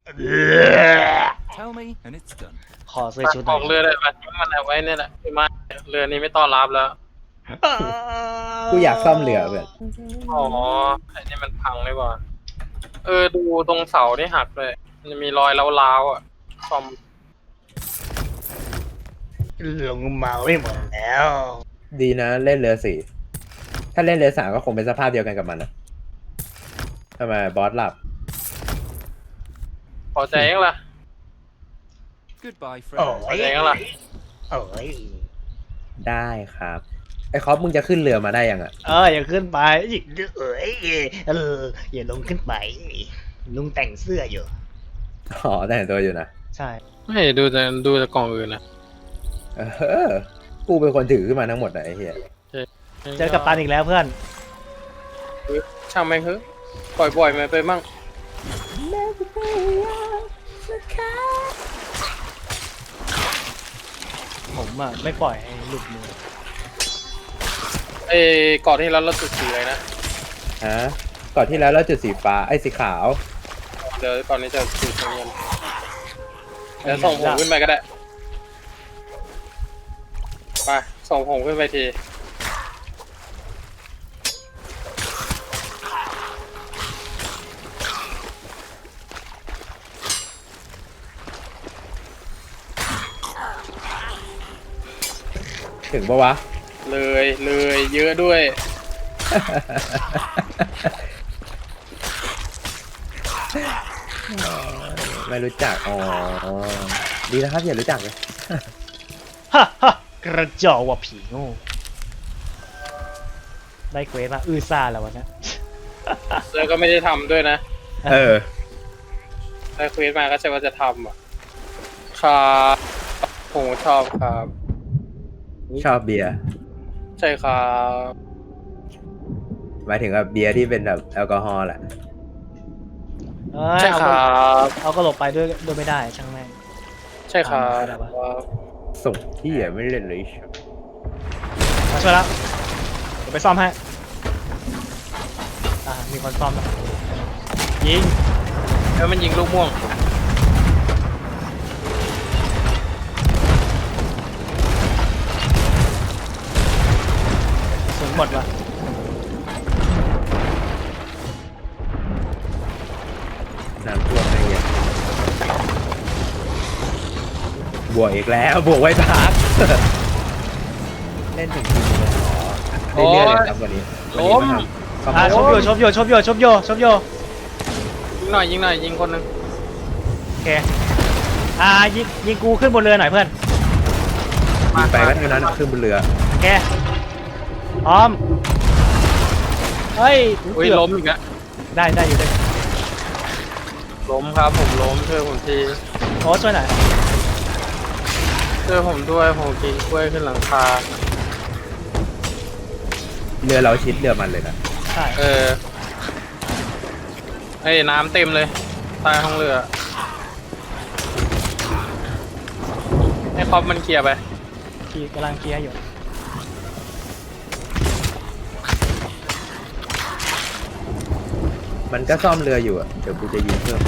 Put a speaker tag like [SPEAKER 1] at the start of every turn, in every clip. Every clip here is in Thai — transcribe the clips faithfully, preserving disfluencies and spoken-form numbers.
[SPEAKER 1] Tell me and it's done.
[SPEAKER 2] ขอซื้อชุดห
[SPEAKER 3] อ
[SPEAKER 2] น่
[SPEAKER 3] อ
[SPEAKER 2] อย
[SPEAKER 3] กเรือเลยมันมันเอาไว้เนี่ยแหละที่มาเรือนี้ไม่ต้อนรับแล้ว
[SPEAKER 4] กูอยากซ่อมเรือเพื่อน
[SPEAKER 3] อ๋อไอ้นี่มันพังเลยว่ะเออดูตรงเสานี่หักเลยมันจะมีรอยร้าวๆอ่ะซ่อม
[SPEAKER 2] ลงมาไม่หมดแล้ว
[SPEAKER 4] ดีนะเล่นเรือสี่ถ้าเล่นเรือสามก็คงเป็นสภาพเดียวกันกับมันนะทำไมบอสหลับ
[SPEAKER 3] พอใจยังล่ะ
[SPEAKER 1] Goodbye,
[SPEAKER 2] โอ้
[SPEAKER 1] friend.
[SPEAKER 3] พอย ใจยังล่ะ
[SPEAKER 2] โอ้ย
[SPEAKER 4] ได้ครับไอ้คอปมึงจะขึ้นเรือมาได้ยังอ่ะ
[SPEAKER 2] เอออย่าขึ้นไปเอ้ยเอออย่าลงขึ้นไปลุงแต่งเสื้ออยู่
[SPEAKER 4] อ๋อแต่งตัวอยู่นะ
[SPEAKER 2] ใช่
[SPEAKER 3] ไม่ดูแต่ดูแต่กล่องอื่นนะ
[SPEAKER 4] เออกูเป็นคนถือขึ้นมาทั้งหมดนะไอ้เหี้ย
[SPEAKER 2] เจอกับตันอีกแล้วเพื่อน
[SPEAKER 3] ช่างแม่งเฮ้ยปล่อยบ่อยๆไปมั่ง
[SPEAKER 2] ผมอ่ะไม่ปล่อยให้หลุดมือ
[SPEAKER 3] ไอ้เกาะที่แล้วเราจุดสีเลยนะ
[SPEAKER 4] ฮะก่อนที่แล้วเราจุดสีฟ้าไอ้สีขาว
[SPEAKER 3] เดี๋ยวก่อนนี้จะจุดสีเงินเดี๋ยวส่งผมขึ้นไปก็ได้ไปส่งผมขึ้นไปที
[SPEAKER 4] ถึงปะวะ
[SPEAKER 3] เลยเลยเยอะด้วย
[SPEAKER 4] ไม่รู้จักอ๋อดีนะครับอย่ารู้จักเลย
[SPEAKER 2] ฮ่าฮ่ากระจอกว่ะผีโง่ได้เควสมาอื้อซ่าแล้ววันนี้
[SPEAKER 3] แล้วก็ไม่ได้ทำด้วยนะ
[SPEAKER 4] เออ
[SPEAKER 3] ได้เควสมาก็ใช่ว่าจะทำอ่ะครับผมชอบครับ
[SPEAKER 4] ชอบเบียร์
[SPEAKER 3] ใช่ครับ
[SPEAKER 4] หมายถึงว่าเบียร์ที่เป็นแบบแอลกอฮอล์แหละ
[SPEAKER 2] เอ้ย
[SPEAKER 3] ใช่
[SPEAKER 2] เอา
[SPEAKER 3] ค
[SPEAKER 2] ก็
[SPEAKER 3] รับ
[SPEAKER 2] เอาก็หลบไปด้วยด้วยไม่ได้ช่างแม่ง
[SPEAKER 3] ใช่ครับ
[SPEAKER 2] อะไรวะ
[SPEAKER 4] ส่งที่อ่ะไม่เล่นเลย
[SPEAKER 2] มาช่วยแล้วเดี๋ยวไปซ่อมให้อ่ามีคนซ่อมแล้วยิง
[SPEAKER 3] แล้วมันยิงลูกม่วง
[SPEAKER 2] สูงหมดว่ะ
[SPEAKER 4] น้ำท่วมอะไรเงี้ยบวกอีกแล้วบวกไว้พัก เล่นถึงทีมเลยเหรอเรื่อยๆเลยครับวันนี้วันนี้มาทำ
[SPEAKER 2] อ่า
[SPEAKER 4] คอมโบ
[SPEAKER 2] ชบโยชบโยชบโยชบโยชบโย
[SPEAKER 3] ยิงหน่อยยิงหน่อยยิงคนหนึง
[SPEAKER 2] โอเคอ่ายิงยิงกูขึ้นบนเรือหน่อยเพื่อน
[SPEAKER 4] ยิงไปก็เท่านั้นอะขึ้นบนเรือ
[SPEAKER 2] โอเคพร้อมเฮ้ย
[SPEAKER 3] อุ้ย
[SPEAKER 2] เกือบ
[SPEAKER 3] ล้มอีกแล้ว
[SPEAKER 2] ได้ได้อยู่ได้
[SPEAKER 3] ล้มครับผมล้มช่วยผมที
[SPEAKER 2] โอ้ช่วยหน่อย
[SPEAKER 3] ช่วยผมด้วยผมกินกล้วยขึ้นหลังคา
[SPEAKER 4] เรือเราชิดเรือมันเลยนะ
[SPEAKER 2] ใช่
[SPEAKER 3] เออไอ้น้ำเต็มเลยใต้ห้องเรือไอ้คอปมันเคลียร์ไป
[SPEAKER 2] ขี่กำลังเคลียร์อยู่
[SPEAKER 4] มันก็ซ่อมเรืออยู่อะเดี๋ยวกูจะยิงเพิ่ม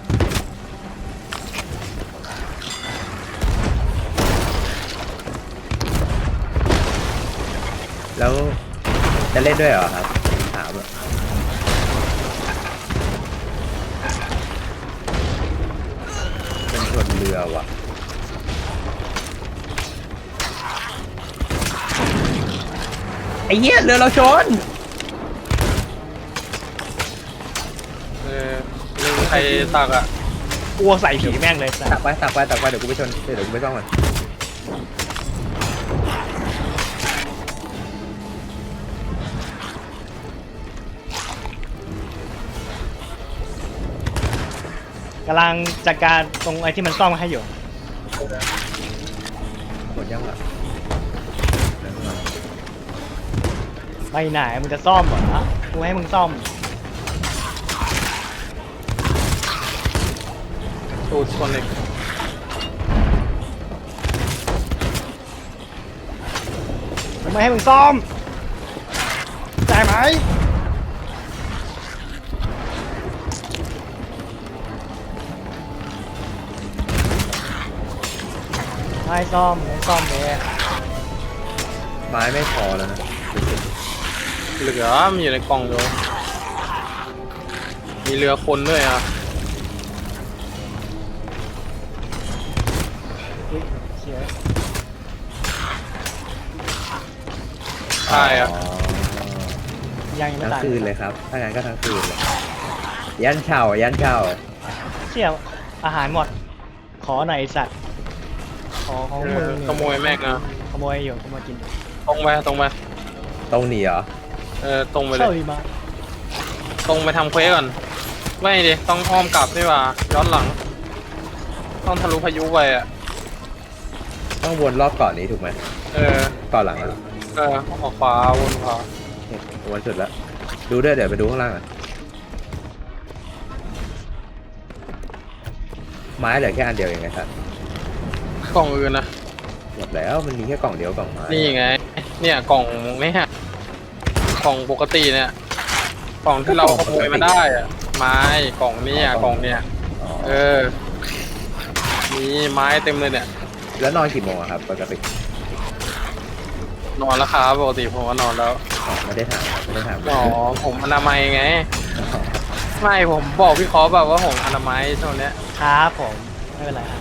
[SPEAKER 4] แล้วจะเล่นด้วยเหรอครับถามอะเป็นชนเรือว่ะไอ้เหี้ยเรือเราชน
[SPEAKER 3] เออลืมใครตักอ่ะ
[SPEAKER 2] กลัวใส่ผีแม่งเลย
[SPEAKER 4] ตักไปตักไปตักไปเดี๋ยวกูไปชนเดี๋ยวกูไปซ่อมมัน
[SPEAKER 2] กำลังจัดการตรงไอ้ที่มันซ่อมให้อยู่
[SPEAKER 4] หมดยังอ่ะ
[SPEAKER 2] ไปไหนมึงจะซ่อมเหรอกูให้มึงซ่อม
[SPEAKER 3] สูตรคนเล็ก
[SPEAKER 2] กูไม่ให้มึงซ่อมได้ไหมให้ซ่อมให้ซ่อมเลย
[SPEAKER 4] ไม้ไม่พอแล้วนะ
[SPEAKER 3] เหลือมีอยู่ในกล่องอยู่มีเรือคนด้วยอ่ะ
[SPEAKER 2] อุ๊ยเสีย
[SPEAKER 3] ใช่อ่ะ
[SPEAKER 4] อ๋อ
[SPEAKER 2] ยังยังไม่
[SPEAKER 4] ทั้ง
[SPEAKER 2] ตาย
[SPEAKER 4] คืนเลยครับถ้างั้นก็ทั้งคืนเลยยันเช่ายันเช่า
[SPEAKER 2] เสียอาหารหมด ขอหน่อยไอ้สัตว์ขอของ
[SPEAKER 3] เอ
[SPEAKER 2] มึ
[SPEAKER 3] อง ขโมยแม่งอ่ะ
[SPEAKER 2] ขโมยอยู่ขโมยกิน
[SPEAKER 3] ตรงไปตรงไป
[SPEAKER 4] ตรงหนีเหรอ
[SPEAKER 3] เออตรงไปเล
[SPEAKER 2] เข้าย ดีมา
[SPEAKER 3] ตรงไปทำเควสก่อนไม่ดิต้องอ้อมกลับนี่หว่าย้อนหลัง ต้องทะลุพายุไปอ่ะ
[SPEAKER 4] ต้องวนรอบเกาะนี้ถูกไหม
[SPEAKER 3] เออ
[SPEAKER 4] เกาะหลังเหรอ
[SPEAKER 3] เออออกขวาวนขวา
[SPEAKER 4] เนี่ยวนสุดแล้วดูด้วยเดี๋ยวไปดูข้างล่างอ่ะไม้เหลือแค่อันเดียวเองไงครับ
[SPEAKER 3] กล่องอื่นนะ
[SPEAKER 4] หมดแล้วมันมีแค่กล่องเดียวกล่องไม้
[SPEAKER 3] นี่ไง เนี่ยกล่องเนี่ยกล่องปกติเนี่ยกล่องที่เราขโมยมาได้อะไม้กล่องเนี่ยกล่องเนี่ย
[SPEAKER 4] อ๋อ
[SPEAKER 3] เออ มีไม้เต็มเลยเนี่ย
[SPEAKER 4] แล้วนอนกี่โมงอะครับปกติ
[SPEAKER 3] นอนแล้วครับปกติผมว่านอนแล้ว
[SPEAKER 4] อ๋อไม่ได้ถามครับไม่ได้ถาม
[SPEAKER 3] อ๋อผมอนามัยไง ไม่ผมบอกพี่คอแบบว่าผมอนามัยช่วงเนี้ย
[SPEAKER 2] ครับผมไม่เป็นไรครับ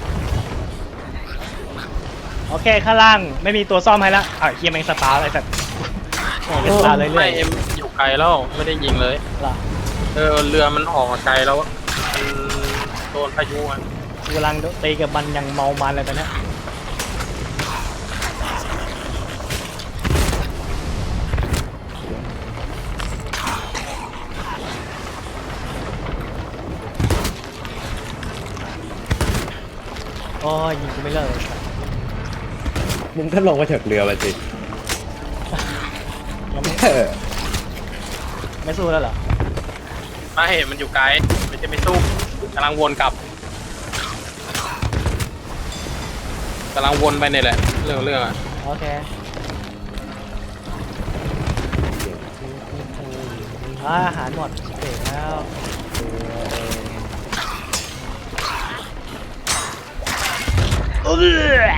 [SPEAKER 2] โอเคข้างล่างไม่มีตัวซ่อมให้แล้วอ่ะเฮียแมงสตาร์อะไรสัตว์โอ้ยสตาร์เลยเรื่
[SPEAKER 3] ไม่
[SPEAKER 2] อย
[SPEAKER 3] เอ็มอยู่ไกลแล้วไม่ได้ยิงเลย
[SPEAKER 2] ๆล่ะ
[SPEAKER 3] เออเรือมันออกมาไกลแล้วมันโดนพายุอ่ะ
[SPEAKER 2] กูกำลังตีกับมันยังเมามันเลยตอนเนี้ยโอ้ยยิงกูไม่เลิกเลยสัตว์
[SPEAKER 4] มึงก็ลงมาจากเรือมาสิ
[SPEAKER 2] ยังไม่
[SPEAKER 4] เออ
[SPEAKER 2] ไม่สู้แล้วเหรอ
[SPEAKER 3] ไม่เห็นมันอยู่ไกลไม่ใช่ไม่สู้กำลังวนกลับกำลังวนไปเนี่ยแหละเรื่องเรื่องอ่ะ
[SPEAKER 2] โอเคอ่าอาหารหมดเสร็จแล้วโอเค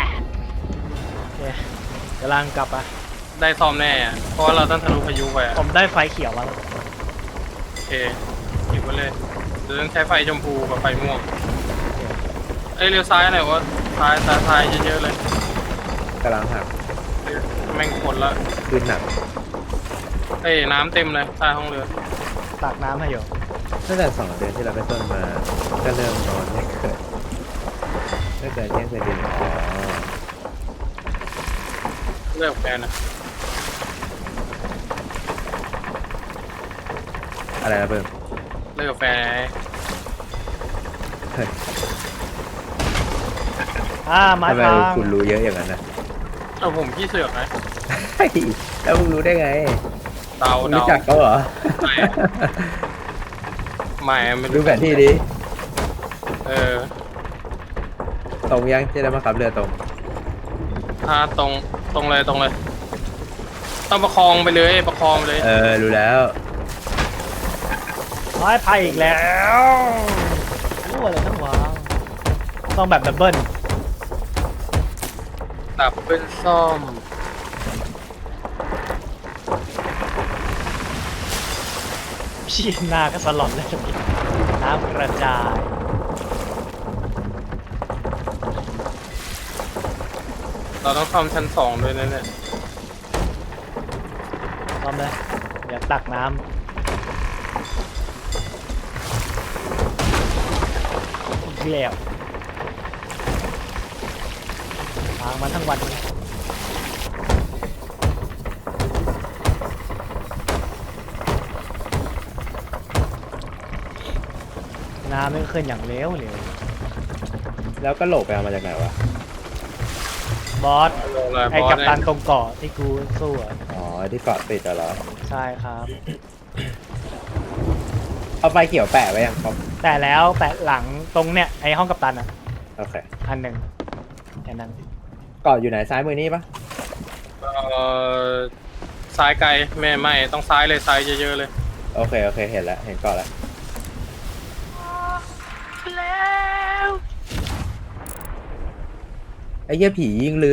[SPEAKER 2] กำลังกลับอ่ะ
[SPEAKER 3] ได้ซ่อมแน่อะเพราะว่าเราต้องทะลุพายุไปอะ
[SPEAKER 2] ผมได้ไฟเขียวมาแล้ว
[SPEAKER 3] โอเคหยิบไว้เลยเดี๋ยวต้องใช้ไฟชมพูกับไฟม่วงเอ้ยเลี้ยวซ้ายหน่อยวะซ้ายซ้ายซ้ายเยอะๆเลย
[SPEAKER 4] กำลังหัก
[SPEAKER 3] แม่งคนละ
[SPEAKER 4] ขึ้นหนัก
[SPEAKER 3] เอ้ยน้ำเต็มเลยใต้ห้องเรือ
[SPEAKER 2] ตักน้ำให้อยู่
[SPEAKER 4] ตั้งแต่สองเดือนที่เราไปต้นมาก็เริ่มนอนไม่เกิดไม่เกิดเที่ยงคืนอ๋อ
[SPEAKER 3] เลิกแฟนนะ
[SPEAKER 4] อะไรนะเพิ่ม
[SPEAKER 3] เลิกแฟนไง
[SPEAKER 4] เฮ้ย
[SPEAKER 2] อ่าไม้
[SPEAKER 4] ทำไม
[SPEAKER 2] พัง
[SPEAKER 4] คุณรู้เยอะอย่างนั้นนะ
[SPEAKER 3] เอาผมพี่เสือกไง
[SPEAKER 4] เฮ้ยแล้วมึงรู้ได้ไง
[SPEAKER 3] เดา
[SPEAKER 4] มึง
[SPEAKER 3] เดา
[SPEAKER 4] รู้จักเขาเหรอ
[SPEAKER 3] ไม่ ไม่ไม่
[SPEAKER 4] ดูแผนที่ดิ
[SPEAKER 3] เออ
[SPEAKER 4] ตรงยังจะได้มาขับเรือตรง
[SPEAKER 3] ถ้าตรงตรงเลยตรงเลย ต้องประคองไปเลยประคองไปเลย
[SPEAKER 4] เออ รู้แล้ว
[SPEAKER 2] ไม้พังอีกแล้วรู้อะไรทั้งวางต้องแบบดับเบิล
[SPEAKER 3] ดับเป็นซ่อม
[SPEAKER 2] ชี้หน้าก็สลอนเลยน้ำกระจาย
[SPEAKER 3] เราต้องซ่อมชั้นสองด้วยนะเนี่ย
[SPEAKER 2] พร้อมเลยเดี๋ยวตักน้ำอีกแล้วทางมันทั้งวันเลยน้ำไม่ขึ้นอย่างเร็วเลย
[SPEAKER 4] แล้วก็โหลกไปเอามาจากไหนวะ
[SPEAKER 2] บอส
[SPEAKER 3] ลงเลย
[SPEAKER 2] ไอ้
[SPEAKER 3] บอ
[SPEAKER 2] กั
[SPEAKER 3] ส
[SPEAKER 2] ป
[SPEAKER 3] เนี่
[SPEAKER 2] ตั
[SPEAKER 3] ย
[SPEAKER 2] นตรงเกาะที่กูสู้อะ
[SPEAKER 4] อ๋อ ที่เกาะติดอะเหรอ
[SPEAKER 2] ใช่ครับ
[SPEAKER 4] เอาไฟเขียวแปะไว้ยังครับ
[SPEAKER 2] แต่แล้วแปะหลังตรงเนี้ยไอ้ห้องกัปตันอ่ะ
[SPEAKER 4] โอเค
[SPEAKER 2] อันหนึ่งแค่นั้น
[SPEAKER 4] เกาะอยู่ไหนซ้ายมือนี่ปะ
[SPEAKER 3] เอ่อซ้ายไกลไม่ไม่ต้องซ้ายเลยซ้ายเยอะๆเลย
[SPEAKER 4] โอเค โอเค เห็นแล้ว เห็นเกาะแล้ว
[SPEAKER 3] แล้ว
[SPEAKER 4] ไอ้เหี้ยผียิงเรือ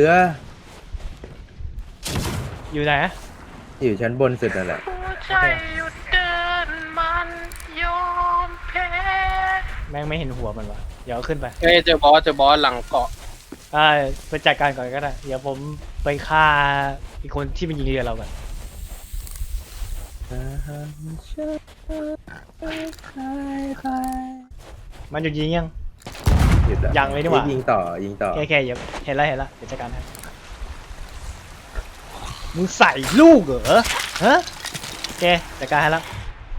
[SPEAKER 2] อยู่ไหน
[SPEAKER 4] อยู่ชั้นบนสุดนั่นแหละ
[SPEAKER 3] ใจหยุดเดินมันยอมแพ้
[SPEAKER 2] แม่งไม่เห็นหัวมันวะเดี๋ยวเอาขึ้นไป
[SPEAKER 3] เฮ้ยเจอบอสเจอบอสหลังเกาะ
[SPEAKER 2] อ่าไปจัดการก่อนก็ได้เดี๋ยวผมไปฆ่าอีกคนที่มันยิงเรือเราก่อนมันหยุดยิงยัง
[SPEAKER 4] หยุดแล้ว
[SPEAKER 2] ยังเลยนี่หว่า
[SPEAKER 4] ยิงต่อยิงต่อ
[SPEAKER 2] แค่แค่เดี๋ยวเห็นแล้วเห็นแล้วเดี๋ยวจัดการให้มึงใส่ลูกเหรอฮะโอเคจัดการให้แล้ว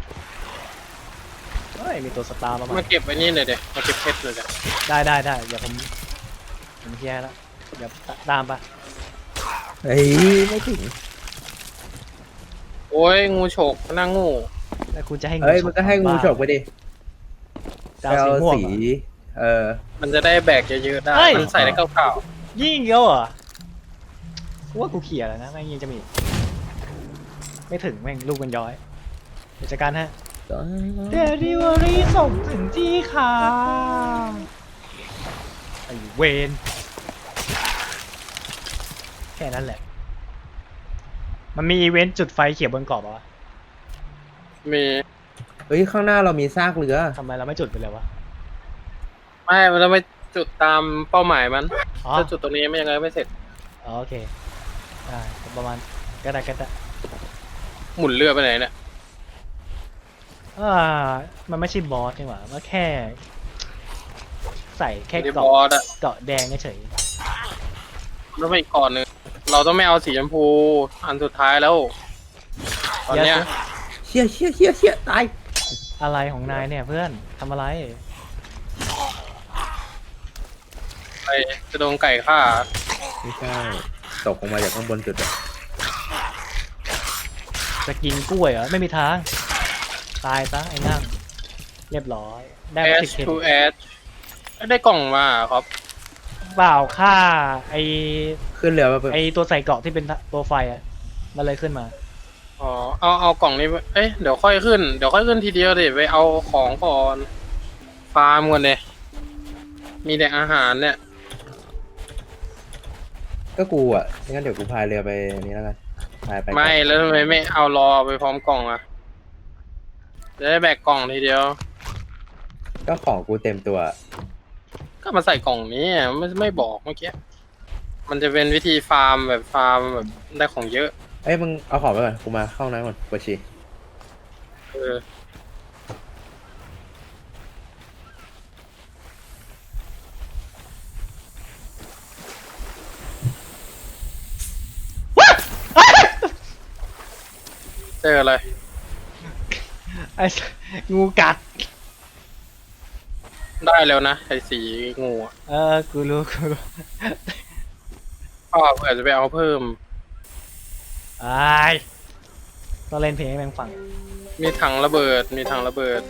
[SPEAKER 2] เฮ้ยมีตัวสตาร์มาใหม่
[SPEAKER 3] มาเก็บไว้นี่เลยเด็มาเก็บเพชรเลยเด็
[SPEAKER 2] ได้ได้ได้เดี๋ยวผมผมเคลียร์ให้แล้วเดี๋ยวตามไป
[SPEAKER 4] เฮ้ยไม่ถึง
[SPEAKER 3] โอ้ยงูฉกหน้างู
[SPEAKER 2] แล้วคุณจะให้งู
[SPEAKER 4] เอ้ยมันก็ให้งูฉกไปดิ
[SPEAKER 2] จะเอาสีม่วง
[SPEAKER 4] สี
[SPEAKER 2] เหรอ
[SPEAKER 4] เออ
[SPEAKER 3] มันจะได้แบกเยอะๆได้
[SPEAKER 2] เฮ้ย
[SPEAKER 3] มันใส่ได้เก่า
[SPEAKER 2] ยิ่งเยอะเหรอกูว่ากูเขี่ยแล้วนะแม่งยังจะมี ไม่ถึงแม่งลูกมันย้อยเดี๋ยวจัดการฮะเดลิเวอรี่ส่งถึงที่ค่ะไอเวนแค่นั้นแหละ มันมีอีเวนต์จุดไฟเขียวบนเกาะปะวะ
[SPEAKER 3] ๆมี
[SPEAKER 4] เฮ้ยข้างหน้าเรามีซากเรือ
[SPEAKER 2] ทำไมเราไม่จุดไปเลยวะ
[SPEAKER 3] ไม่มันจะไม่จุดตามเป้าหมายมัน
[SPEAKER 2] อ๋อ
[SPEAKER 3] ถ้าจุดตรงนี้ไม่ยังไงไม่เสร็จ
[SPEAKER 2] อ๋อโอเคได้ประมาณก็ได้ก็ได้
[SPEAKER 3] หมุนเรือไปไหนเนี่ย
[SPEAKER 2] อ่ามันไม่ใช่บอสนี่หว่ามันแค่ ใส่แค่
[SPEAKER 3] ที่บ
[SPEAKER 2] เกาะ
[SPEAKER 3] อสอะ
[SPEAKER 2] เกาะแดงเฉย
[SPEAKER 3] แล้วไปอีกก่อนหนึ่งเราต้องไม่เอาสีชมพูอันสุดท้ายแล้วตอนเนี้ย
[SPEAKER 4] เชี่ยเชี่ยเชี่ยเชี่ยตาย
[SPEAKER 2] อะไรของนายเนี่ยเพื่อนทำอะไร
[SPEAKER 3] ไปจะโดนไก่ฆ่า
[SPEAKER 4] ไม่ใช่ตกลงมาจากข้างบนสุดอะ
[SPEAKER 2] จะกินกล้วยเหรอไม่มีทาง ตายซะไอ้นั่งเรียบร้อย ได้
[SPEAKER 3] แอ
[SPEAKER 2] มา
[SPEAKER 3] ช
[SPEAKER 2] สิบเค
[SPEAKER 3] ทูแอชได้กล่องมาครับ
[SPEAKER 2] เปล่าค่าไอ
[SPEAKER 4] ขึ้นเรือมาเพิ่ม
[SPEAKER 2] ไอตัวใส่เกราะที่เป็นตัวไฟอ่ะมันเลยขึ้นมา
[SPEAKER 3] อ๋อเอาเอากล่องนี้ไปเอ้ยเดี๋ยวค่อยขึ้นเดี๋ยวค่อยขึ้นทีเดียวเดี๋ยวไปเอาของก่อนฟาร์มก่อนเลยมีแต่อาหารเนี่ย
[SPEAKER 4] ก็กูอ่ะงั้นเดี๋ยวกูพายเรือไปนี้แล้วกันพายไป
[SPEAKER 3] ไม่แล้วทำไมไม่เอารอไปพร้อมกล่องอ่ะจะได้แบกกล่องทีเดียว
[SPEAKER 4] ก็ของกูเต็มตัว
[SPEAKER 3] ก็มาใส่กล่องนี้อ่ะไม่ไม่บอกเมื่อกี้มันจะเป็นวิธีฟาร์มแบบฟาร์มแบบได้ของเยอะ
[SPEAKER 4] เอ้ยมึงเอาของไปก่อนกูมาเข้าห้องน้ำก่อนปวดฉี่
[SPEAKER 3] เออ เจออะไร
[SPEAKER 2] ไองูกัด
[SPEAKER 3] ได้แล้วนะไอ้สีงูอะ
[SPEAKER 2] เออกูรู้กูรู้
[SPEAKER 3] พ่อเผื่อจะไปเอาเพิ่ม
[SPEAKER 2] ไอ้ต้องเล่นเพลงให้แม่งฟัง
[SPEAKER 3] มีถังระเบิด มีถังระเบิด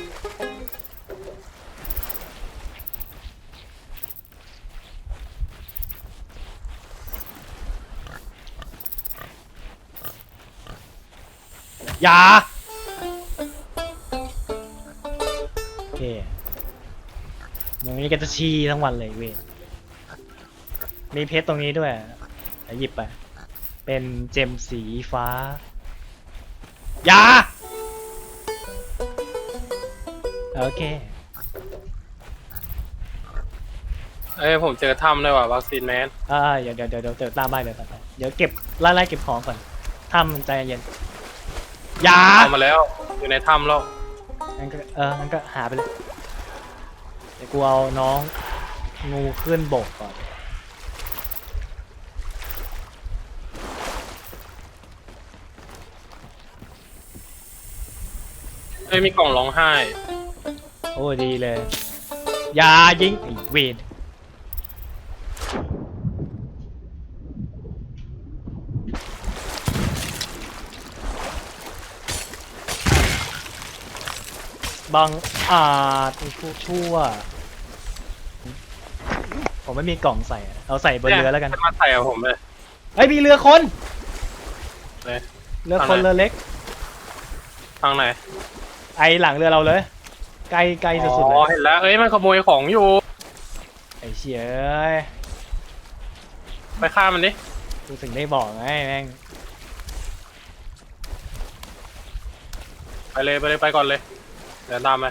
[SPEAKER 2] อย่าโอเคมึงนี่ก็จะชี้ทั้งวันเลยเว้ยมีเพชรตรงนี้ด้วยเดี๋ยวหยิบไป เป็นเจมสีฟ้า อย่า โอเค
[SPEAKER 3] เอ้ยผมเจอถ้ำด้วยว่ะวัคซีนแมน
[SPEAKER 2] อ่าเดี๋ยวเดี๋ยวเดี๋ยวเดี๋ยวตามไปเดี๋ยวตามไปเดี๋ยวเก็บไล่ไล่เก็บของก่อนทำใจเย็นอย่า
[SPEAKER 3] เอามาแล้ว อยู่ในถ้ำแล้ว
[SPEAKER 2] งั้นก็เอองั้นก็หาไปเลย เดี๋ยวกูเอาน้องงูขึ้นบกก่อน
[SPEAKER 3] เอ้ยมีกล่องร้องไห้
[SPEAKER 2] โอ้ดีเลย อย่ายิงไอ้เวรบังอาจไอ้พวกชั่ว ผมไม่มีกล่องใส่อะเอาใส่บนเรือแล้วกัน
[SPEAKER 3] จะมาใส่กับผมเลย
[SPEAKER 2] เฮ้ยมีเรือคน
[SPEAKER 3] เลย
[SPEAKER 2] เรือคนเรือเล็ก
[SPEAKER 3] ทางไหน
[SPEAKER 2] ไอหลังเรือเราเลยใกล้ใกล้
[SPEAKER 3] อ๋
[SPEAKER 2] สุดๆเล
[SPEAKER 3] อย เห็นแล้ว เอ้ยมันขโมยของอยู่
[SPEAKER 2] ไอเชี่ยเอ้ย
[SPEAKER 3] ไปฆ่ามันดิ
[SPEAKER 2] กูถึงได้บอกไงแม่ง
[SPEAKER 3] ไปเลยไปเลยไปก่อนเลยเดี๋ยวตามไป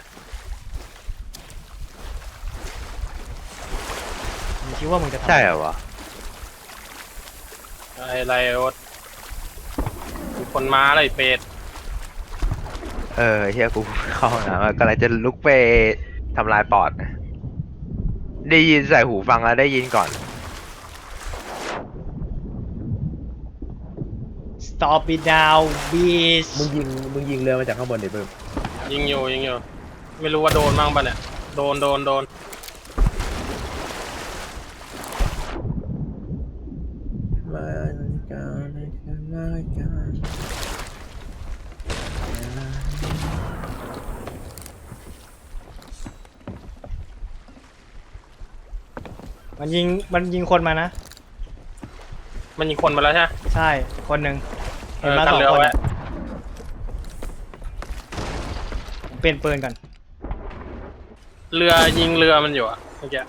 [SPEAKER 2] มึงคิดว่ามึงจะทำ
[SPEAKER 4] ใช่เหรอวะ
[SPEAKER 3] ไอ้ไรโอ๊ตมีคนมาอะไรเป็ด
[SPEAKER 4] เออเฮียกูเข้าห้องน้ำกำลังจะลุกไปทำลายปอดนะได้ยินใส่หูฟังแล้วได้ยินก่อน
[SPEAKER 2] stop it now bitch
[SPEAKER 4] มึงยิงมึงยิงเรือมาจากข้างบนดิเพิ่ม
[SPEAKER 3] ยิงอยู่ยิงอยู่ไม่รู้ว่าโดนบ้างปะเนี่ยโดนโดนโดน
[SPEAKER 4] มาการมาการ
[SPEAKER 2] มันยิงมันยิงคนมานะ
[SPEAKER 3] มันยิงคนมาแล้วใช่ไหม
[SPEAKER 2] ใช่คนหนึ่ง
[SPEAKER 3] เอ
[SPEAKER 2] เห็น
[SPEAKER 3] อ
[SPEAKER 2] มา
[SPEAKER 3] กั
[SPEAKER 2] ส
[SPEAKER 3] น
[SPEAKER 2] อง
[SPEAKER 3] เรือ
[SPEAKER 2] คน
[SPEAKER 3] ไว้
[SPEAKER 2] อะผมเปลี่ยนปืนก่อน
[SPEAKER 3] เรือยิงเรือมันอยู่อะเมื่อกี้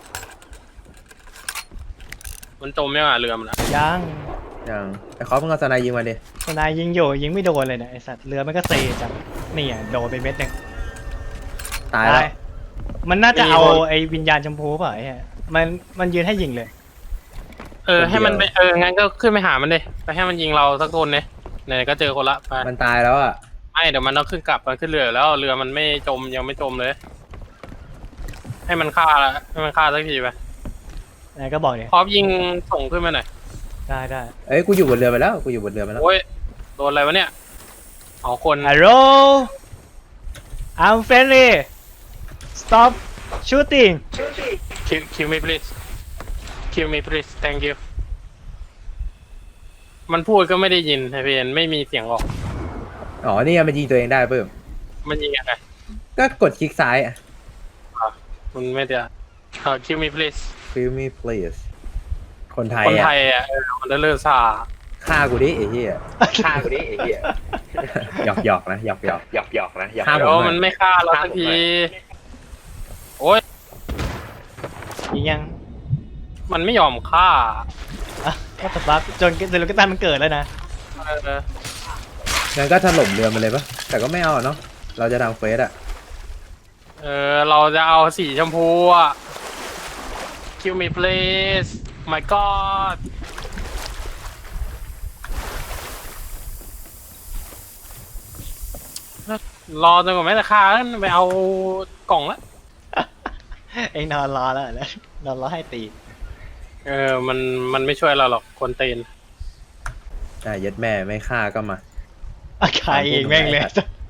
[SPEAKER 3] มันจมยังอ่ะเรือมันอะ
[SPEAKER 2] ยัง
[SPEAKER 4] ยังไอ้คอปมึงเอาสไนยิงมาดิ
[SPEAKER 2] ทนายยิงอยู่ยิงไม่โดนเลยเนี่ยไอสัตว์เรือมันก็เซจังนี่อ่ะโดนไปเม็ดหนึ่ง
[SPEAKER 4] ตายแล้ว
[SPEAKER 2] มันน่าจะเอาไอ้วิญญาณชมพูเปล่าไอ้เหี้ยมันมันยืนให้ยิงเลย
[SPEAKER 3] เออให้มันไปเอองั้นก็ขึ้นไปหามันดิไปให้มันยิงเราสักคนเนี่ยไหนๆก็เจอคนละไป
[SPEAKER 4] มันตายแล้วอ่ะ
[SPEAKER 3] ไม่เดี๋ยวมันต้องขึ้นกลับมันขึ้นเรืออยู่แล้วเรือมันไม่จมยังไม่จมเลย ให้มันฆ่าละให้มันฆ่าสักทีไป
[SPEAKER 2] นายก็บอกเนี่ย
[SPEAKER 3] พร้อมยิงส่งขึ้นมาหน่อย
[SPEAKER 2] ได้ได้
[SPEAKER 4] เอ้ยกูอยู่บนเรือไปแล้วกูอยู่บนเรือไปแล้ว
[SPEAKER 3] โอ้ยโดนอะไรวะเนี่ยอ๋อคน
[SPEAKER 2] ฮัลโหล I'm friendly stop shooting
[SPEAKER 3] คิวคิวมี please คิวมี please thank you มันพูดก็ไม่ได้ยินไอเพนไม่มีเสียงออก
[SPEAKER 4] อ๋อนี่ไงมันยิงตัวเองได้เพิ่ม
[SPEAKER 3] มันยิงยังไง
[SPEAKER 4] ก็กดคลิกซ้ายอ่ะ
[SPEAKER 3] มันไม่ได้คิวมี please
[SPEAKER 4] Feel me please คนไทย
[SPEAKER 3] คนไท
[SPEAKER 4] อ่ะ
[SPEAKER 3] ยอ่ะเออมันจะเลิกซา
[SPEAKER 4] ฆ่ากูดิไอ้เหี้ยฆ่ากูดิไอ้เหี้ยหยอกหยอกนะหยอกหยอกหยอกหยอกนะหยอก
[SPEAKER 3] เดี๋ยวมันไม่ฆ่าเราสักทีโอ้ย
[SPEAKER 2] ยิงยัง
[SPEAKER 3] มันไม่ยอมฆ่า
[SPEAKER 2] อ่ะก็ตบักจนเดลูกตันมันเกิดแล้วนะ
[SPEAKER 3] เออ
[SPEAKER 4] งั้นก็ถล่มเรือมันเลยปะแต่ก็ไม่เอาเนาะเราจะทำเฟสอ่ะ
[SPEAKER 3] เออเราจะเอาสีชมพูอ่ะ kill me please my god รอจนกว่าแม่จะฆ่าไปเอากล่องละ
[SPEAKER 2] เองนอนรอแล้วแล้วนอนรอให้ตี
[SPEAKER 3] เออมันมันไม่ช่วยเราหรอกคนตีน
[SPEAKER 4] อ่ะยัดแม่ไม่ฆ่าก็มา
[SPEAKER 2] อาคายเองแม่งเลย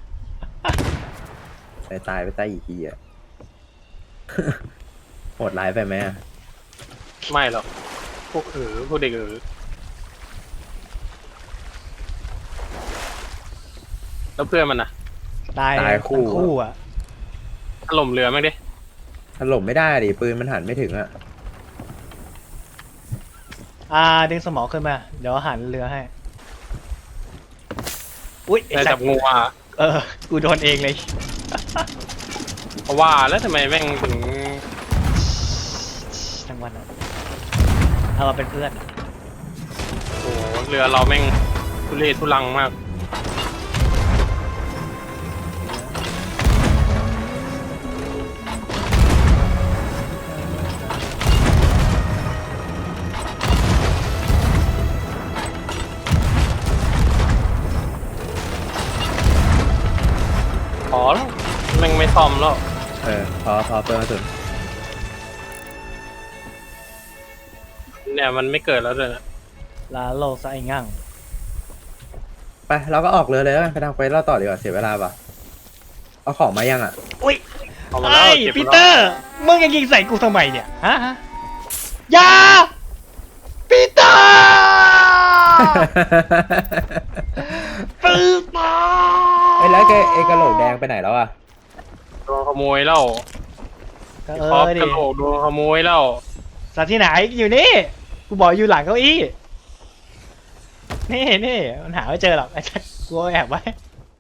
[SPEAKER 4] ตายตายไปใต้อีกทีอ่ะ โหดร้ายไปไหมอ่ะ
[SPEAKER 3] ไม่หรอกพวกเออพวกเด็กเออแล้วเพื่อนมันนะ
[SPEAKER 2] ตาย
[SPEAKER 4] ตายคู่
[SPEAKER 2] ทั้งคู่อ่ะ
[SPEAKER 3] ถล่มเรือมั้งดิ
[SPEAKER 4] ถล่มไม่ได้ดิปืนมันหันไม่ถึงอ่ะ
[SPEAKER 2] อ่าดึงสมองขึ้นมา เดี๋ยวหันเรือให้ อุ้ยไอ้
[SPEAKER 3] ได้
[SPEAKER 2] สั
[SPEAKER 3] จั
[SPEAKER 2] ต
[SPEAKER 3] บ
[SPEAKER 2] ว์
[SPEAKER 3] งูอ่ะ
[SPEAKER 2] เออ กูโดนเองเลย
[SPEAKER 3] เพราะว่าแล้วทำไมแม่งถึง
[SPEAKER 2] ทั้งวันอะเอามาเป็นเพื่อน
[SPEAKER 3] โอ้โหเรือเราแม่งทุเรศทุลังมาก ขอแล้วแม่งไม่ซ่อมแล้ว
[SPEAKER 4] เออพอพอเปิดมาสุด
[SPEAKER 3] เนี่ยมันไม่เกิดแล้วเลยนะ
[SPEAKER 2] ลาโลกซะไอ้งั่ง
[SPEAKER 4] ไปเราก็ออกเรือเลยแล้วกันไปทำเฟสเราต่อดีกว่าเสียเวลาปะเอาของมายังอ่ะ
[SPEAKER 2] อุ้ย
[SPEAKER 3] เอามาแล้ว
[SPEAKER 2] ไอ้
[SPEAKER 3] เก็บ
[SPEAKER 2] ปี
[SPEAKER 3] มา
[SPEAKER 2] เต
[SPEAKER 3] แล้ว
[SPEAKER 2] อร์ มึงยังยิงใส่กูทำไมเนี่ย ฮะฮะอยาปีเตอร์ ปีเตอร์
[SPEAKER 4] ไอ้แล้วแกไอ้กระโหลกแดงไปไหนแล้วอ่ะ
[SPEAKER 3] โดนขโมยแล้ว
[SPEAKER 2] ก็
[SPEAKER 3] ไอ้
[SPEAKER 2] เอ
[SPEAKER 3] ครอบ
[SPEAKER 2] อดิ
[SPEAKER 3] กระโหลกโดนขโมยแล้ว
[SPEAKER 2] สัตว์ที่ไหนอยู่นี่ กูบอกอยู่หลังเก้าอี้ นี่นี่มันหาไม่เจอหรอกไอ้สัตว์กูเอาแอบไว้